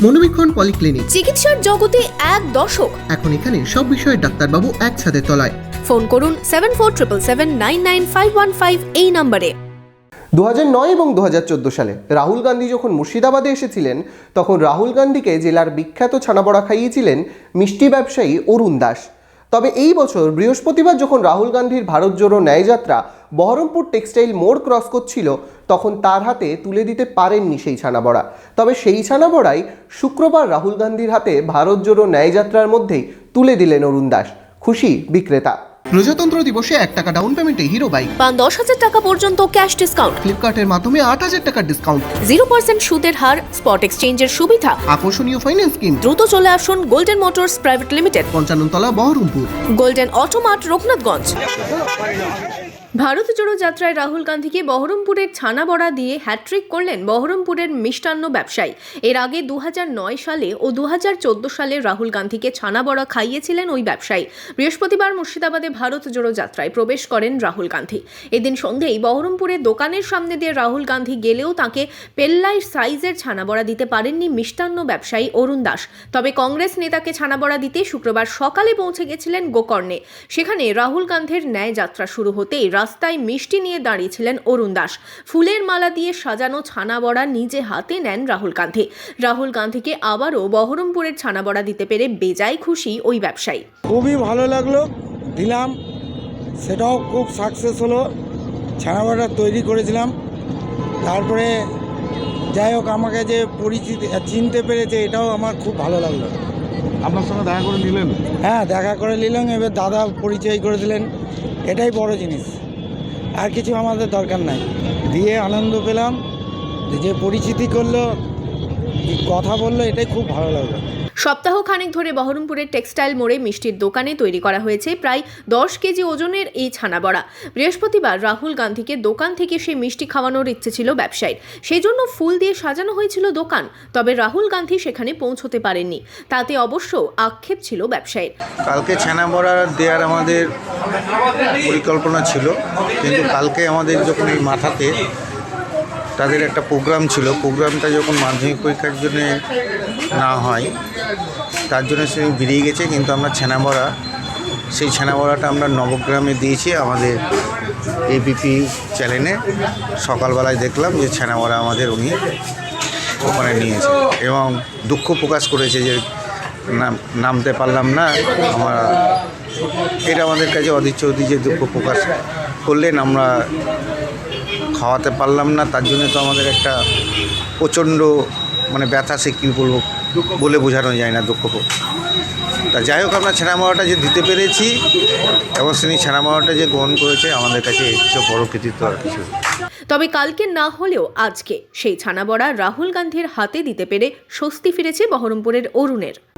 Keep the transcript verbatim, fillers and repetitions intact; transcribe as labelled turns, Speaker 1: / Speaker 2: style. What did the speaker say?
Speaker 1: মনোবীক্ষণ polyclinic,
Speaker 2: চিকিৎসার জগতে এক দশক।
Speaker 1: এখন এখানে সব বিষয়ে ডাক্তারবাবু একসাথে তলায়।
Speaker 2: ফোন করুন seven four triple seven nine nine five one five এই নম্বরে।
Speaker 3: দু হাজার নয় এবং দু হাজার চোদ্দো সালে রাহুল গান্ধী যখন মুর্শিদাবাদে এসেছিলেন, তখন রাহুল গান্ধীকে জেলার বিখ্যাত ছানাবড়া খাইয়েছিলেন মিষ্টি ব্যবসায়ী অরুণ দাস। তবে এই বছর বৃহস্পতিবার যখন রাহুল গান্ধীর ভারত জোড়ো ন্যায়যাত্রা বহরমপুর টেক্সটাইল মোড় ক্রস করছিল, তখন তার হাতে তুলে দিতে পারেননি সেই ছানাবড়া। তবে সেই ছানাবড়াই শুক্রবার রাহুল গান্ধীর হাতে ভারত জোড়ো ন্যায়যাত্রার মধ্যেই তুলে দিলেন অরুণ দাস। খুশি বিক্রেতা।
Speaker 1: প্রজাতন্ত্র দিবসে এক টাকা ডাউন পেমেন্টে হিরো বাইক,
Speaker 2: পান দশ হাজার টাকা পর্যন্ত ক্যাশ ডিসকাউন্ট,
Speaker 1: ফ্লিপকার্টের মাধ্যমে আট হাজার টাকার ডিসকাউন্ট,
Speaker 2: জিরো পার্সেন্ট সুদের হার, স্পট এক্সচেঞ্জের সুবিধা।
Speaker 1: আকর্ষণীয় ফাইন্যান্স স্কিম।
Speaker 2: দ্রুত চলে আসুন গোল্ডেন মোটরস প্রাইভেট লিমিটেড,
Speaker 1: পঞ্চান্ন তলা, বহরমপুর।
Speaker 2: Golden automart, Raghunathganj. ভারত জোড়ো যাত্রায় রাহুল গান্ধীকে বহরমপুরের ছানাবড়া দিয়ে হ্যাট্রিক করলেন বহরমপুরের মিষ্টান্ন ব্যবসায়ী। এর আগে দু হাজার নয় সালে ও দু হাজার চোদ্দো সালে রাহুল গান্ধীকে ছানাবড়া খাইয়েছিলেন ওই ব্যবসায়ী। বৃহস্পতিবার মুর্শিদাবাদে ভারত জোড়ো যাত্রায় প্রবেশ করেন রাহুল গান্ধী। এদিন সন্ধ্যেই বহরমপুরের দোকানের সামনে দিয়ে রাহুল গান্ধী গেলেও তাঁকে পেল্লাই সাইজের ছানাবড়া দিতে পারেননি মিষ্টান্ন ব্যবসায়ী অরুণ দাস। তবে কংগ্রেস নেতাকে ছানাবড়া দিতে শুক্রবার সকালে পৌঁছে গেছিলেন গোকর্ণে। সেখানে রাহুল গান্ধীর ন্যায় যাত্রা শুরু হতেই রাস্তায় মিষ্টি নিয়ে দাঁড়িয়েছিলেন অরুণ দাস। ফুলের মালা দিয়ে সাজানো ছানাবড়া নিজে হাতে নেন রাহুল গান্ধী। রাহুল গান্ধীকে আবারও বহরমপুরের ছানাবড়া দিতে পেরে বেজায় খুশি ওই ব্যবসায়ী।
Speaker 4: খুবই ভালো লাগলো, দিলাম, সেটাও খুব সাকসেস হলো। ছানাবড়া তৈরি করেছিলাম, তারপরে যাই হোক আমাকে যে পরিচিতি চিনতে পেরেছে, এটাও আমার খুব ভালো লাগলো।
Speaker 5: আপনার সঙ্গে দেখা করে নিলেন?
Speaker 4: হ্যাঁ, দেখা করে নিলাম, এবার দাদা পরিচয় করে দিলেন, এটাই বড় জিনিস। আর কিছু আমাদের দরকার নাই, দিয়ে আনন্দ পেলাম, যে পরিচিতি করলো, কথা বললো, এটাই খুব ভালো লাগলো।
Speaker 2: সপ্তাহ খানেক ধরে বহরমপুরের টেক্সটাইল মোড়ে মিষ্টির দোকানে তৈরি করা হয়েছে প্রায় দশ কেজি ওজনের এই ছানাবড়া। বৃহস্পতিবার রাহুল গান্ধীকে দোকান থেকে সেই মিষ্টি খাওয়ানোর ইচ্ছে ছিল ব্যবসায়ীর, সেই জন্য ফুল দিয়ে সাজানো হয়েছিল দোকান। তবে রাহুল গান্ধী সেখানে পৌঁছতে পারেননি, তাতে অবশ্য আক্ষেপ ছিল ব্যবসায়ীর।
Speaker 6: কালকে ছানাবড়া দেওয়ার আমাদের পরিকল্পনা ছিল, কিন্তু কালকে আমাদের যখন এই মাথাতে তাদের একটা প্রোগ্রাম ছিল, প্রোগ্রামটা যখন মাধ্যমিক পরীক্ষার জন্য না হয় তার জন্য সে বেরিয়ে গেছে। কিন্তু আমরা ছানাবড়া, সেই ছানাবড়াটা আমরা নবগ্রামে দিয়েছি আমাদের এবিপি চ্যানেলে। সকালবেলায় দেখলাম যে ছানাবড়া আমাদের উনি ওখানে নিয়েছে এবং দুঃখ প্রকাশ করেছে যে নাম নামতে পারলাম না। আমরা এটা আমাদের কাছে অধীর চৌধুরী যে দুঃখ প্রকাশ করলেন, আমরা খাওয়াতে পারলাম না, তার জন্য তো আমাদের একটা প্রচণ্ড মানে ব্যথা, সে কী বলবো বলে বোঝানো যায় না, দুঃখ। তা যাই হোক, আমরা ছানাবড়াটা যে দিতে পেরেছি এবং তিনি ছানাবড়াটা যে গ্রহণ করেছে, আমাদের কাছে এর চেয়ে বড় কৃতিত্ব আর কিছু।
Speaker 2: তবে কালকে না হলেও আজকে সেই ছানাবড়া রাহুল গান্ধীর হাতে দিতে পেরে স্বস্তি ফিরেছে বহরমপুরের অরুণের।